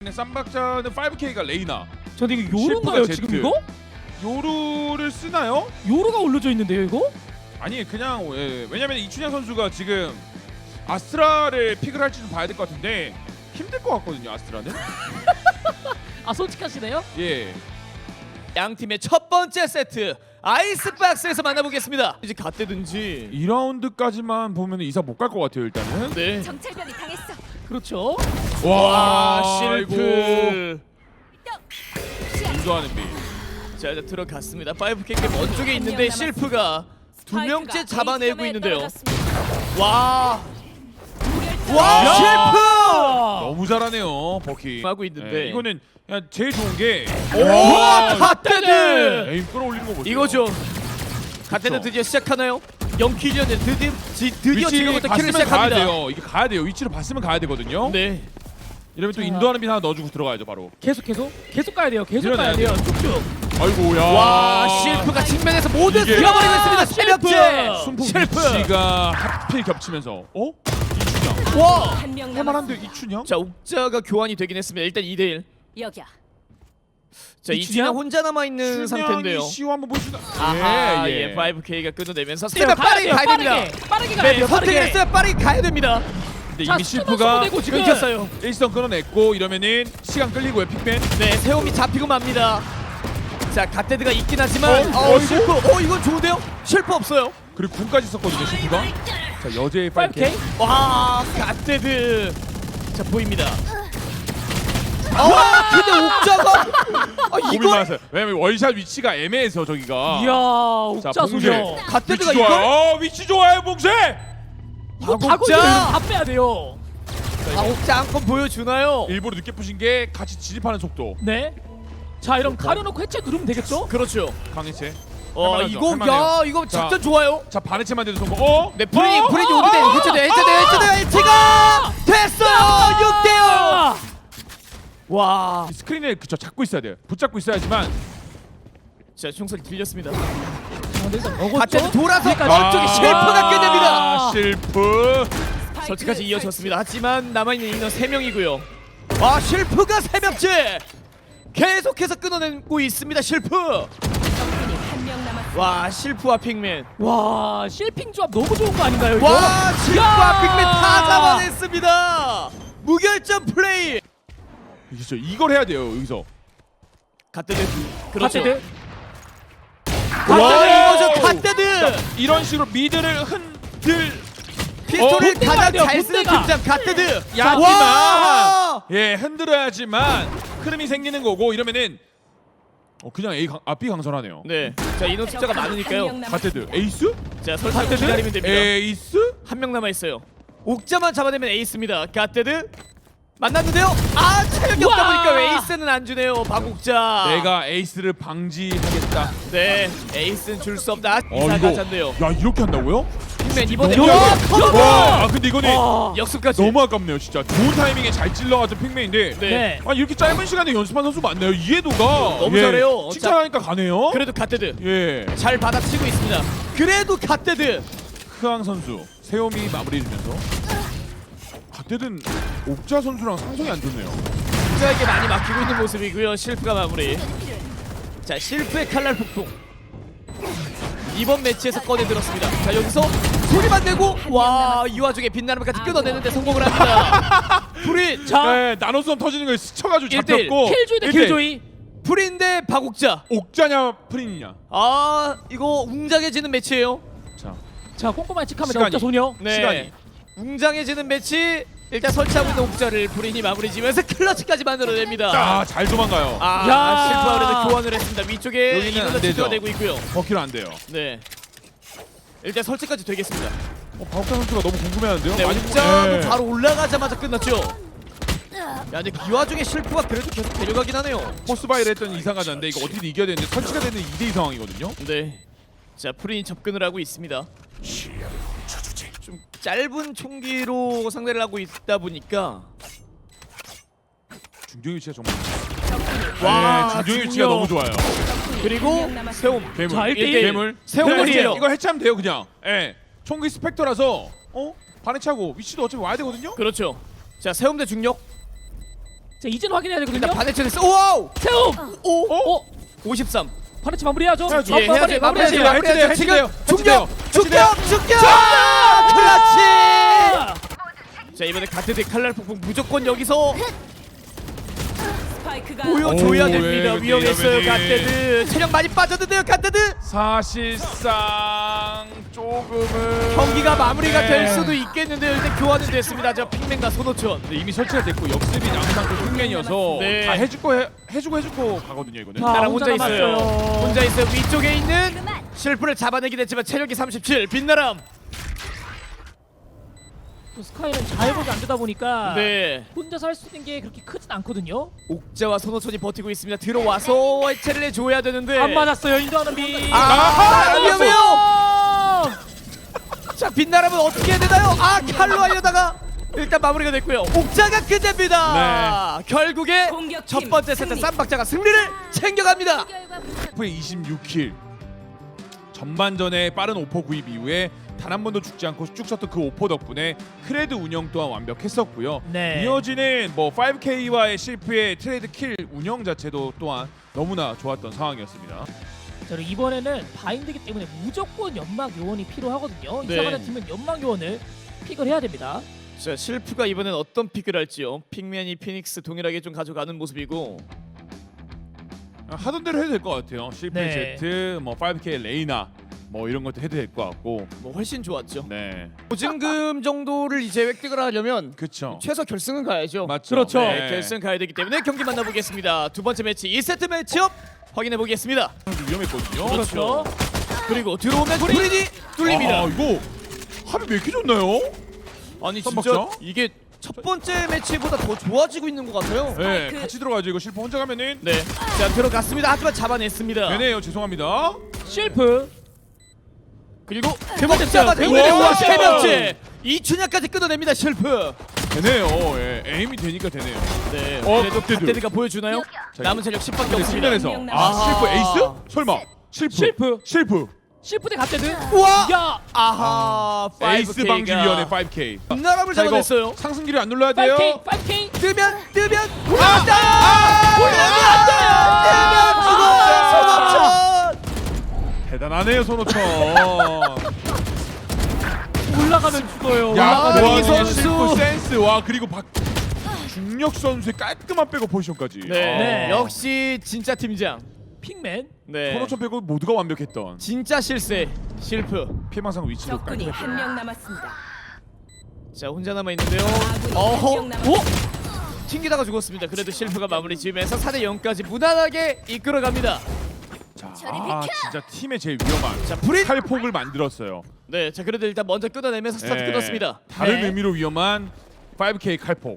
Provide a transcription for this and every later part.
쌈박자는 5K가 레이나. 저는 이거 요루인가요 실프가 지금 Z. 이거? 요루를 쓰나요? 요루가 올려져 있는데요 이거? 아니 그냥 왜냐면 이춘향 선수가 지금 아스트라를 픽을 할지 좀 봐야 될 것 같은데 힘들 것 같거든요 아스트라는. 아 솔직하시네요? 예. 양 팀의 첫 번째 세트 아이스박스에서 만나보겠습니다. 이제 갓대든지. 2라운드까지만 보면 이상 못 갈 것 같아요 일단은. 네. 정찰병이 당했어. 그렇죠. 와 실프. 인도하는 비. 자 이제 들어갔습니다. 5K 먼쪽에 있는데 실프가 두 명째 잡아내고 있는데요. 와. 와 실프. 너무 잘하네요 버키. 하고 있는데. 이거는 그냥 제일 좋은 게 와 갓대드. 에임 끌어올리는 거 보세요. 이거죠. 갓대드 드디어 시작하나요? 0킬이었는데 드디어 지금부터 킬을 봤으면 가야 시작합니다. 돼요. 이게 가야 돼요. 위치를 봤으면 가야 되거든요. 네. 이러면 또 자. 인도하는 비 하나 넣어주고 들어가야죠 바로. 계속 가야 돼요. 계속 가야 밀어내야 돼요. 쭉쭉. 아이고야. 와 실프가 측면에서 모두 이게- 쓸어버리고 있습니다. 실프! 새벽째. 순풍 실프. 위치가 하필 겹치면서 이춘향. 와. 한명 남았어. 할만한데 이춘향? 자 옥자가 교환이 되긴 했습니다. 일단 2대1. 여기야. 자 이춘향? 이춘향 혼자 남아 있는 상태인데요. 시호 한번 보여주나? 아하 예 5K가 끊어내면서 자, 스텝 빠르게 가야 됩니다. 빠르게 네 가야 돼요. 선택을 빠르게. 했어요. 빠르게 가야 됩니다. 근데 자, 이미 스톱 실프가 선수도 지금. 끊겼어요. 일선 끊어냈고 이러면은 시간 끌리고요 픽맨. 네 세움이 잡히고 맙니다. 자 갓데드가 있긴 하지만 어이구. 실프 이건 좋은데요? 실프 없어요. 그리고 군까지 썼거든요 실프가. 자 여제의 5K. 5K. 와 갓데드 자 보입니다. 아 근데 옥자가 이걸 이걸 맞았어요. 왜냐면 월샷 위치가 애매해서 저기가. 이야 자, 옥자 봉쇄. 소녀. 갓데드가 위치 좋아요. 이걸 위치 좋아요 봉쇄. 이거 옥자! 다고 다 빼야 돼요. 옥자 한 건 보여주나요? 일부러 늦게 푸신 게 같이 진입하는 속도. 네. 자 이럼 가려놓고 해체 누르면 되겠죠? 그렇죠. 강해체. 할만하죠, 이거 할만해요. 야 이거 자. 작전 좋아요. 자 반해체만 돼도 성공. 네 브레인이 오는데 해체가 됐어요. 6대0. 아! 와. 스크린을 그쵸 잡고 있어야 돼요. 붙잡고 있어야지만. 자 총소리 들렸습니다. 근데 일단 먹었죠? 갓데드 돌아서 여기까지. 안쪽에 실프가 끝냅니다. 아, 실프. 설치까지 이어졌습니다. 하지만 남아있는 인원 3명이고요. 와 실프가 새벽째 계속해서 끊어내고 있습니다. 실프. 적군이 한명 남았어. 와 실프와 핑맨. 와 실핑 조합 너무 좋은 거 아닌가요 이거? 와 실프와 야! 핑맨 다 잡아냈습니다. 무결점 플레이. 그렇죠. 이걸 해야 돼요 여기서. 갓데드. 그렇죠. 갓데드. 와 이거죠 갓데드. 이런 식으로 미드를 흔들. 피스톨을 본대가 가장 돼요, 잘 쓰는 본대가. 팀장 갓데드. 야지만 와! 예 흔들어야지만 흐름이 생기는 거고 이러면은 그냥 B 강선하네요. 네. 자 인원 숫자가 많으니까요. 갓데드 에이스? 자 설탕 기다리면 됩니다. 에이스? 한 명 남아 있어요. 옥자만 잡아내면 에이스입니다. 갓데드 만났는데요. 아 체력이 없다 우와! 보니까 왜 에이스는 안 주네요. 박옥자. 내가 에이스를 방지하겠다. 네 에이스는 줄 수 없다. 이거 이사가 잔데요. 야 이렇게 한다고요? 핑맨 이번에 너무 와, 아깝- 와, 근데 이거는 와. 역습까지. 너무 아깝네요 진짜. 좋은 타이밍에 잘 찔러가지고 핑맨인데 네. 네. 아 이렇게 짧은 시간에 연습한 선수 많나요? 이해도가 너무 잘해요. 칭찬하니까 가네요. 그래도 갓데드 예 잘 받아치고 있습니다. 그래도 갓데드. 크앙 선수 세움이 마무리해주면서 갓데드는 옥자 선수랑 상성이 안 좋네요. 옥자에게 많이 막히고 있는 모습이고요. 실프가 마무리. 자 실프의 칼날 폭풍. 이번 매치에서 꺼내 들었습니다. 자 여기서 소리만 내고 와 이 와중에 빛나름까지 끊어내는데 성공을 합니다. 불이 자 네, 나노선 터지는 걸 스쳐가지고 1대1. 잡혔고 킬조이 대 1대1. 킬조이. 불인데 박옥자. 옥자냐 프린이냐. 아 이거 웅장해지는 매치예요. 자 자 꼼꼼한 칙합니다 시간이. 옥자 소녀. 네. 시간이. 웅장해지는 매치. 일단 설치하고 있는 옥자를 불인이 마무리 지면서 클러치까지 만들어냅니다. 잘 도망가요. 아 야. 실프가 그래도 교환을 했습니다. 위쪽에 여기는 안 인원을 되죠. 지켜내고 있고요. 버키로 안 돼요. 네. 일단 설치까지 되겠습니다. 박옥자 선수가 너무 궁금해하는데요. 네, 아직 옥자도 네. 바로 올라가자마자 끝났죠. 야, 근데 이 와중에 실프가 그래도 계속 데려가긴 하네요. 포스바이를 했더니 이상하자인데 이거 어떻게든 이겨야 되는데 설치가 되는 2대2 상황이거든요. 네. 자, 프린이 접근을 하고 있습니다. 좀 짧은 총기로 상대를 하고 있다 보니까 중경 위치가 정말 와, 네, 중경 위치가 너무 좋아요. 그리고 세움. 괴물. 자, 1대1. 괴물. 세움물이에요. 이거 해체하면 돼요 그냥. 예. 총기 스펙터라서 반해차고 위치도 어차피 와야 되거든요. 그렇죠. 자, 세움 대 중력. 자 이제는 확인해야 되거든요. 일단 반해체 됐어. 오와우. 세움. 오. 53. 반해체 마무리해야죠. 해야죠. 예, 해야지. 마무리해야지. 해야죠. 마무리해야지. 지금 해치돼요. 중격. 클러치. 자 이번에 가트드 칼날 폭풍 무조건 여기서 스파이크가 보여줘야 오, 됩니다. 예, 위험했어요 예, 갓데드. 체력 많이 빠졌는데요 갓데드. 사실상 조금은 경기가 마무리가 네. 될 수도 있겠는데요. 일단 교환은 됐습니다. 저 핑맨과 손호천. 근데 이미 설치가 됐고 역습이 항상 그 흉맨이어서 네. 다 해주고 가거든요 이거는. 자, 나랑 혼자 혼자 있어요. 남았어요. 혼자 있어요. 위쪽에 있는 그만. 실프를 잡아내긴 했지만 체력이 37. 빛나람. 또 스카이는 자해복이 안 되다 보니까 네. 혼자서 할 수 있는 게 그렇게 크진 않거든요. 옥자와 손호천이 버티고 있습니다. 들어와서 해체를 해줘야 되는데. 안 맞았어요. 인도하는 비. 아하, 위험해요. 아, 자 빛나람은 어떻게 해야 되나요? 아 칼로 하려다가 일단 마무리가 됐고요. 옥자가 끝냅니다. 결국에 공격팀 첫 번째 세트 승리. 쌈박자가 승리를 챙겨갑니다. 후에 26킬. 전반전에 빠른 오퍼 구입 이후에 단 한 번도 죽지 않고 쭉 썼던 그 오퍼 덕분에 크레드 운영 또한 완벽했었고요. 네. 이어지는 뭐 5K와의 실프의 트레이드 킬 운영 자체도 또한 너무나 좋았던 상황이었습니다. 자, 그리고 이번에는 바인드기 때문에 무조건 연막 요원이 필요하거든요. 네. 이상하는 팀은 연막 요원을 픽을 해야 됩니다. 자 실프가 이번엔 어떤 픽을 할지요. 핑맨이 피닉스 동일하게 좀 가져가는 모습이고. 하던 대로 해도 될 것 같아요. 실프 네. 제트, 뭐 5K 레이나 뭐 이런 것도 해도 될 것 같고. 뭐 훨씬 좋았죠. 네, 보증금 정도를 이제 획득을 하려면 그렇죠. 최소 결승은 가야죠. 맞죠. 그렇죠. 네, 결승 가야 되기 때문에 경기 만나보겠습니다. 두 번째 매치 2세트 매치업 확인해 보겠습니다. 위험했거든요. 그렇죠. 그리고 들어오면 브린이 뚫립니다. 아, 이거 합이 왜 이렇게 좋나요? 아니 진짜 쌈박자? 이게 첫 번째 매치보다 더 좋아지고 있는 것 같아요. 네, 스파이크. 같이 들어가죠. 이거 실프 혼자 가면은 네, 자 들어갔습니다. 하지만 잡아냈습니다. 되네요. 죄송합니다. 실프. 그리고 번째 옥자가 점. 되고 우와. 세 번째 이춘향까지 끊어냅니다. 실프. 되네요. 예, 에임이 되니까 되네요. 네, 그래도 갓데드. 갓데드가 보여주나요? 자, 남은 체력 10밖에 근데 없습니다. 측면에서 명 아 남았습니다. 실프 에이스? 설마 실프 실프. 실프 대 갓데드. 우와! 야. 아하, 에이스 5K 가 방지위원회 5K. 나람을 자, 이거 잡아냈어요. 상승기를 안 눌러야 돼요. 5K. 5K. 뜨면 아! 올라갔다. 대단하네요 손호천. 올라가면 죽어요. 야, 아, 와, 이 선수. 실프 센스. 와 그리고 중력 선수의 깔끔한 백업 포지션까지. 네. 네. 역시 진짜 팀장. 픽맨. 네. 손호천 빼고 모두가 완벽했던 진짜 실세. 실프. 피해망상 위치도 적군이 깔끔했던. 한 명 남았습니다. 자 혼자 남아 있는데요. 아군이 어허. 한명 남았습니다. 오. 튕기다가 죽었습니다. 그래도 실프가 마무리 지으면서 4대 0까지 무난하게 이끌어갑니다. 자, 진짜 팀의 제일 위험한 자 브린. 칼폭을 만들었어요. 네. 자 그래도 일단 먼저 끊어내면서 스타트 네. 끊었습니다. 다른 네. 의미로 위험한 5K 칼폭.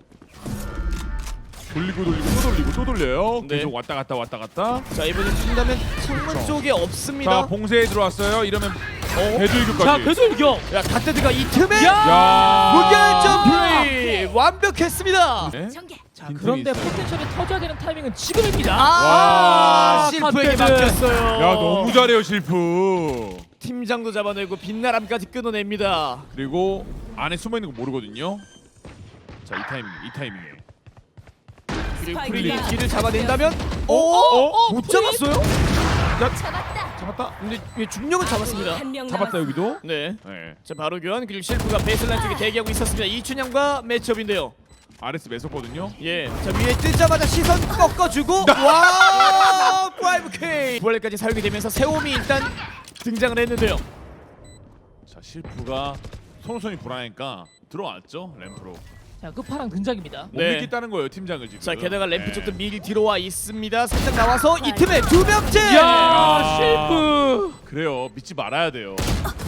돌리고 또 돌리고 또 돌려요. 네. 계속 왔다 갔다. 자 이번엔 튕다면 창문 쪽에 없습니다. 자 봉쇄에 들어왔어요. 이러면 배들교까지. 자, 배돌격. 야 갓데드가 이 틈에 야. 무결점 플레이 완벽했습니다. 네? 전개. 자, 빈틈이 그런데 있어요. 포텐셜이 터져야 되는 타이밍은 지금입니다. 아, 와, 실프에게 갓데드. 맡겼어요. 야 너무 잘해요 실프. 팀장도 잡아내고 빛나람까지 끊어냅니다. 그리고 안에 숨어 있는 거 모르거든요. 자 이 타이밍에. 그리고 스파이크가 프리리 길을 잡아낸다면 못 프리? 잡았어요? 잡았다. 근데 왜 중력은 잡았습니다. 한명 잡았다 여기도. 네. 네. 자 바로 교환. 그리고 실프가 베이스라인 쪽에 대기하고 있었습니다. 이춘향과 매치업인데요. RS 매섭거든요. 예. 자 위에 뜨자마자 시선 꺾어주고 와 5K 부활까지 사용이 되면서 세움이 일단 등장을 했는데요. 자 실프가 손호선이 불안하니까 들어왔죠 램프로. 자, 끝판왕 등장입니다. 못 네. 믿겠다는 거예요 팀장을 지금. 자 게다가 램프 네. 쪽도 미리 들어와 있습니다. 살짝 나와서 이 틈에 두 명째. 야, 실프. 그래요 믿지 말아야 돼요.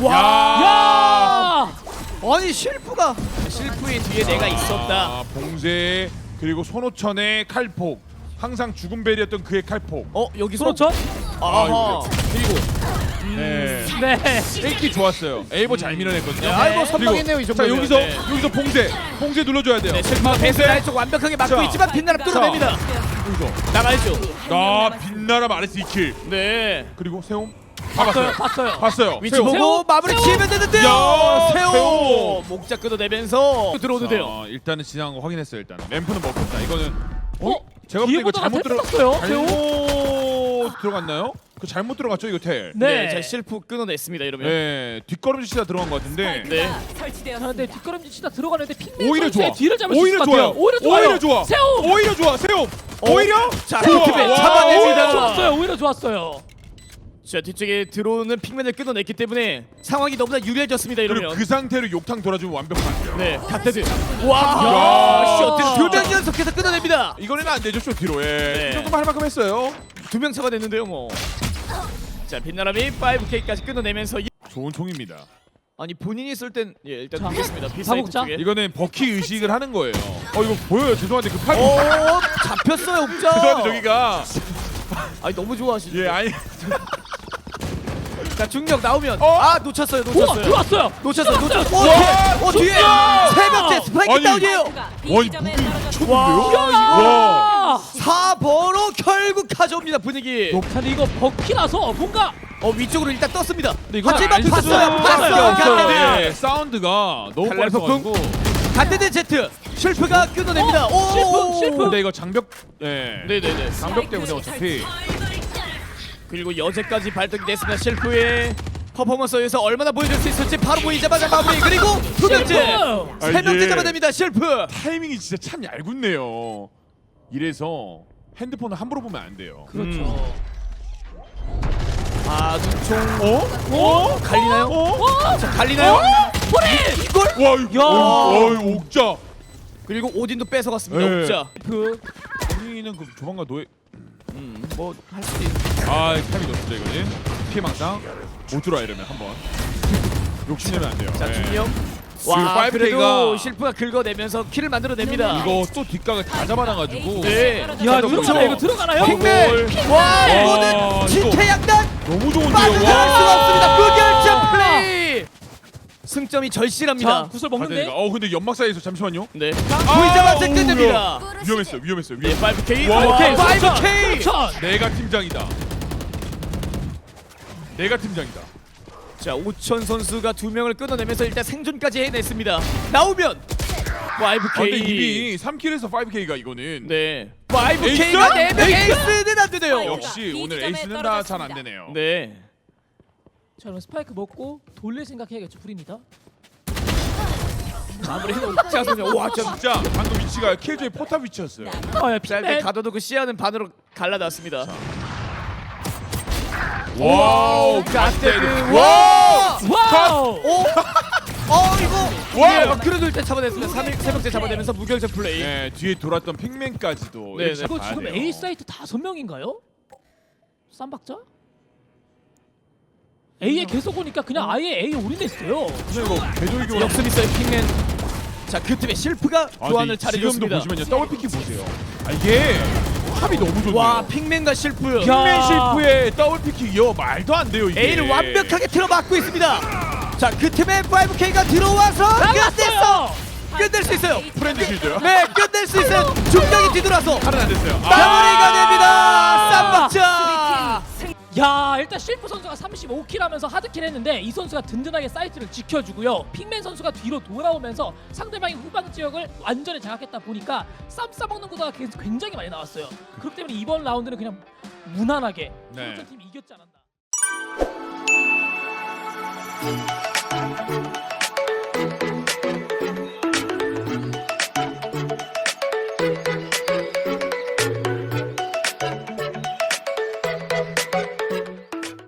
야! 아니 실프가 실프의 뒤에 내가 있었다. 아, 봉쇄 그리고 손호천의 칼폭. 항상 죽음 벨이었던 그의 칼폭. 여기서 손호천? 아하. 그리고 네. 네. 1기 좋았어요. 에이버 잘 밀어냈거든요. 네, 아이고, 그리고 선방했네요, 이 자 정도면. 여기서 네. 여기서 봉쇄 눌러줘야 돼요. 네, 실프가 베이스라인 쪽 완벽하게 막고 자. 있지만 빛나라 뚫어냅니다. 여기서 나가야죠. 아 빛나라 RS 2킬. 네. 그리고 세움 봤어요. 위치 세움. 보고 세호, 마무리 세호. 지으면 되는데요. 야, 세호 세호. 목자 끊어내면서 들어오는데요. 자, 일단은 지나간 거 확인했어요. 일단 램프는 먹혔다. 이거는 제가 볼 때 이거 잘못 들어갔어요. 잘못 들어갔나요? 그 잘못 들어갔죠 이거 텔. 네, 네. 자 실프 끊어냈습니다. 이러면. 네, 뒷걸음질 치다 들어간 것 같은데. 네. 자, 설치되었습니다. 근데 뒷걸음질 치다 들어가는데 핑맨 오히려 선수의 좋아. 뒤를 잡을 수 오히려 있을 것 좋아요. 같아요. 오히려 좋아요. 오히려 좋아. 세움. 오히려 좋아. 세움. 오히려 자, 좋아. 틈에 와, 잡아냅니다. 오히려 좋았어요. 오히려 좋았어요. 자 뒤쪽에 들어오는 핑맨을 끊어냈기 때문에 상황이 너무나 유리해졌습니다. 그리고 이러면. 그 상태로 욕탕 돌아주면 완벽한. 네, 갓데드. 야. 와, 쇼트 2명 연속해서 끊어냅니다. 이거는 안 되죠 쇼티로. 예. 네. 이 정도만 할 만큼 했어요. 2명 잡아냈는데요, 뭐. 자, 빛나람이 5K까지 끊어내면서 좋은 총입니다. 아니 본인이 쓸 땐 예, 일단 자, 보겠습니다. 사복자. 비사이드 쪽에. 이거는 버키 의식을 하는 거예요. 이거 보여요. 죄송한데 그 팔. 오, 잡혔어요, 옥자. 죄송한데 저기가. 아니 너무 좋아하시죠. 예, 아니. 자, 중력 나오면 어? 놓쳤어요. 우와 들어왔어요. 놓쳤어요. 와, 뒤에 진짜! 세 번째 스파이크 아니. 다운이에요. 와, 이 무기 미쳤는데요? 와. 4번으로 결국 가져옵니다 분위기. 자, 근데 이거 버키라서 뭔가 위쪽으로 일단 떴습니다. 이건 하지만 알 수가 봤어요. 없어요. 갓데드. 네, 사운드가 너무 칼날 빨라가지고. 갓데드 Z 쉘프가 끊어냅니다. 실프. 근데 이거 장벽, 예. 네네네. 장벽 때문에 어차피. 그리고 여제까지 발동이 됐습니다. 쉘프의 퍼포먼스에서 얼마나 보여줄 수 있을지 바로 보이자마자 마무리. 그리고 두 명째, 실프! 세 명째 이게 잡아냅니다. 쉘프. 타이밍이 진짜 참 얄궂네요. 이래서 핸드폰을 함부로 보면 안 돼요. 그렇죠. 아 눈총. 어? 갈리나요? 자, 갈리나요? 포리! 이걸? 와, 이거 옥자. 그리고 오딘도 뺏어갔습니다. 네. 옥자. 그 우리는 그 조만간 노예. 뭐 할 수도 있는. 타이밍 좋습니다 이거는. 피해망상. 못 들어와 이러면 한번. 욕심내면 안 돼요. 자, 예. 중력. 지금 와, 5K 그래도 가 실프가 긁어내면서 킬을 만들어냅니다. 이거 또 뒷각을 다 잡아놔가지고. 네. 야, 자, 들어가나요? 이거 들어가나요? 핑맨. 와, 와, 이거는 진퇴양난. 너무 좋은데요. 빠져나갈 수가 없습니다. 무결점 와. 플레이. 승점이 절실합니다. 자, 구슬 먹는데. 근데 연막 사이에서 잠시만요. 네. 보이자마자 어우, 끝냅니다. 위험했어요. 네, 5K. 와, 5K. 5K. 내가 팀장이다. 자, 오천 선수가 2명을 끊어내면서 일단 생존까지 해냈습니다. 나오면 5K. 근데 이미 3킬에서 5K가 이거는. 네. 5K가 4명 에이스는 안 되네요. 역시 오늘 에이스는 다 잘 안 되네요. 네. 자, 그럼 스파이크 먹고 돌릴 생각해야겠죠, 프리입니다. 마무리해서 옥자 선수. 와, 진짜 방금 위치가 킬조의 포탑 위치였어요. 아, 야, 짧게 핑맨. 가둬두고 시야는 반으로 갈라놨습니다. 와우, 갓데드. 와! 와우! 오! 이거. 와우! 예, 그래도 일단 잡아냈습니다. 세 번째 잡아내면서 무결점 플레이. 네, 뒤에 돌았던 핑맨까지도. 네, 이렇게 네. 이거 봐야 지금 돼요. A 사이트 5명인가요? 쌈박자? A에 계속 오니까 그냥 아예 A 올인했어요. 근데 이거 개돌기가 역습 있어요, 핑맨. 자, 그 틈에 실프가 교환을 지금도 잘해줬습니다. 보시면요, 더블 피킹 보세요. 이게 합이 너무 좋네요. 와, 핑맨과 실프. 야. 핑맨 실프의 더블 피킹이요, 말도 안 돼요 이게. A를 완벽하게 틀어막고 있습니다. 자, 그 틈에 5K가 들어와서 끝냈어. 나갔어요! 끝낼 수 있어요. 프렌드 실드요? 네, 끝낼 수 있어요. 중력이 뒤돌아서 하나 안 됐어요. 마무리가 됩니다. 쌈박자. 야, 일단 실프 선수가 35킬 하면서 하드킬 했는데 이 선수가 든든하게 사이트를 지켜주고요. 핑맨 선수가 뒤로 돌아오면서 상대방의 후방 지역을 완전히 장악했다 보니까 쌈 싸먹는 구도가 굉장히 많이 나왔어요. 그렇기 때문에 이번 라운드는 그냥 무난하게 네. 팀이 이겼지 않았나.